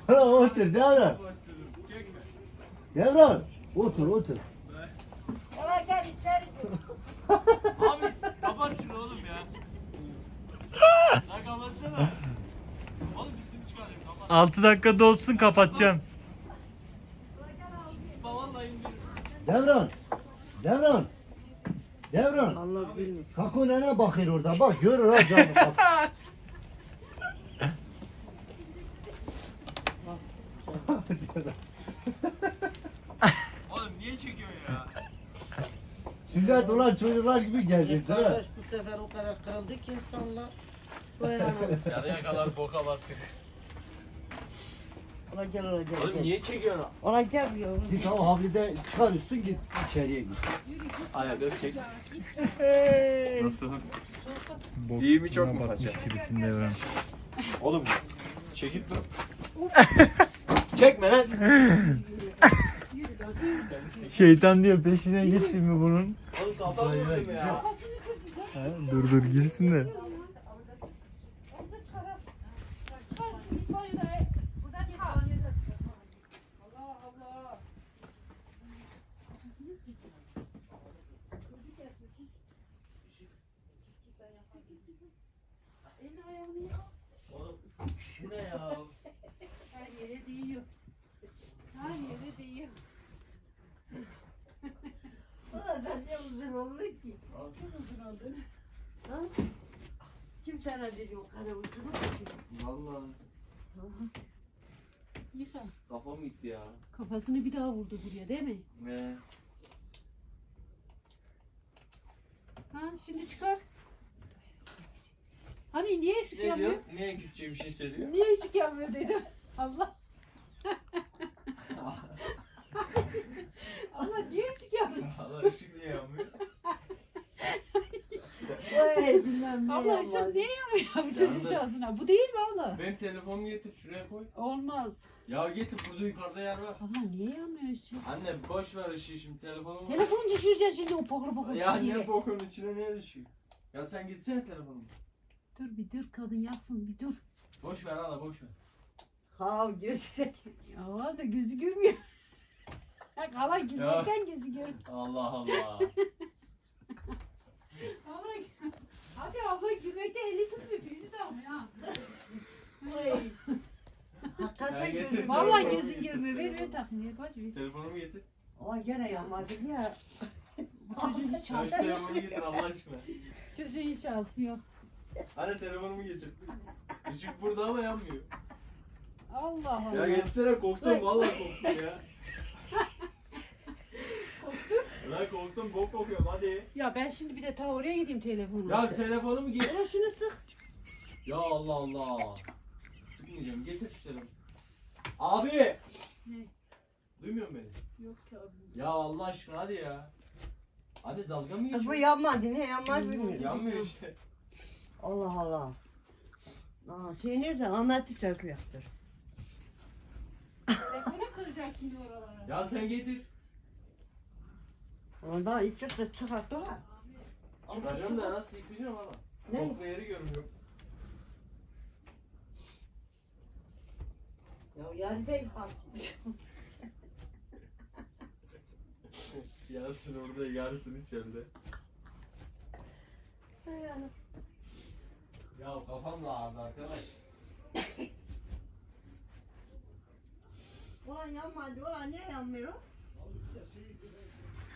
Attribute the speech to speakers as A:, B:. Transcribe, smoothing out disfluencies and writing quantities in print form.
A: Ulan otur Devran.
B: Çekme.
A: Devran. Otur otur.
C: Ola gel içeri.
B: Abi kapatsın oğlum ya. Lan kapatsana. Oğlum üstünü çıkarayım kapat.
D: 6 dakika dolsun kapatacağım.
B: Vallahi indirim.
A: Devran. Devran. Devran.
C: Allah bilmiyor.
A: Sako nene bakıyor orada bak görür ha canım bak.
B: Oğlum niye çekiyorsun ya?
A: Sünnet olan çocuklar gibi geziyorsun ha.
C: Kardeş bu sefer o kadar kırıldı ki insanlar. Dayanamadı.
B: Yarıya kadar boka battık.
C: Ola gel ola gel.
B: Oğlum
C: gel.
B: niye çekiyorsun?
C: Ola gel bir yavrum.
A: Git o havlide çıkar üstün git içeriye git.
B: Ayakları çek. Nasıl?
D: Bok
B: İyi mi, çok mu
D: batmış
B: faça?
D: gibisin Devran.
B: Oğlum çekip dur. Çekme lan.
D: Şeytan diyor peşine git şimdi bunun.
B: Oğlum kafam vurdum ya.
D: Ha, dur dur girsin de.
B: Oğlum şu ne ya?
E: Her yere değiyor. Her yere değiyor.
C: Ulan sen ne uzun oldun ki?
E: Çok uzun oldu.
C: Ha? Kim sana dedi o kadar uzun oldu ki?
B: Vallahi
E: Yıka.
B: kafam gitti ya.
E: Kafasını bir daha vurdu buraya değil mi?
B: Ne?
E: Ha şimdi çıkar. Hani niye ışık
B: Ne
E: yanmıyor?
B: diyor? Niye Kürtçe bir şey söylüyor?
E: Niye ışık yanmıyor dedim. Allah. Allah niye ışık yanmıyor?
B: Allah ışık niye yanmıyor?
C: Oy bilmem ne
E: Abla
C: yapmadı.
E: ışık niye yanmıyor bu çocuğun
B: Yandı.
E: şansına? Bu değil mi abla?
B: Benim telefonumu getir şuraya koy.
E: Olmaz.
B: Ya getir burada yukarıda yer var.
E: Abla niye yanmıyor ışık?
B: Anne boş ver ışığı şimdi telefonumu.
E: Telefonu düşüreceksin şimdi o pokru pokru
B: Ya
E: pisiyle.
B: ne bokun içine ne düşüyor? Ya sen gitsene telefonumu.
E: Dur bir dur kadın yaksın bir dur.
B: Boş ver hala boş ver.
C: Ha gözüne
E: Ya da gözü görmüyor. Kala gülmekten gözü görmüyor.
B: Allah Allah.
E: Abla, hadi abla gülmekten eli tutmuyor. Birisi de almıyor ha.
C: Oy. Hakikaten
B: Ya getir.
C: gözüm.
E: Vallahi
B: Telefonumu
E: gözün
B: getir,
E: görmüyor. Ver
B: telefonumu.
E: takmıyor. Boş ver.
B: Telefonumu getir.
C: Ama gene yanmadı ya.
E: Bu çocuğun hiç
B: Ya şu
E: şansı yok.
B: telefonumu getir Allah aşkına.
E: Çocuğun hiç şansı yok.
B: Hadi telefonumu getir. Işık burada ama yanmıyor.
E: Allah Allah.
B: Ya geçsene korktum vallahi korktum ya.
E: Korktun?
B: Lan korktum bok kokuyorum hadi.
E: Ya ben şimdi bir de ta oraya gideyim telefonu.
B: Ya telefonumu getir.
E: Ulan şunu sık.
B: Ya Allah Allah. Sıkmayacağım getir şu telefonu. Abi.
E: Ne?
B: Duymuyor musun beni?
E: Yok ki abi.
B: Ya Allah aşkına hadi ya. Hadi dalga mı
C: Kız bu
B: geçiyorsun?
C: yanmadı ne yanmaz bilmiyorum.
B: Yanmıyor işte.
C: Allah Allah. Aa, şey nerede? Ahmet'i sesli yaptır.
E: Telefonu kıracak şimdi oralara.
B: Ya sen getir.
C: Onda ilk çıktı çıkarttılar.
B: Çıkacağım da nasıl yıkayacağım hala?
C: Ne?
B: Boklu yeri görmüyorum.
C: Ya yarın bey kalktı.
B: Yarısını orada yarısını içeride. Ya kafam da ağrıdı arkadaş.
C: Ulan yanmadı. Ulan niye yanmıyor?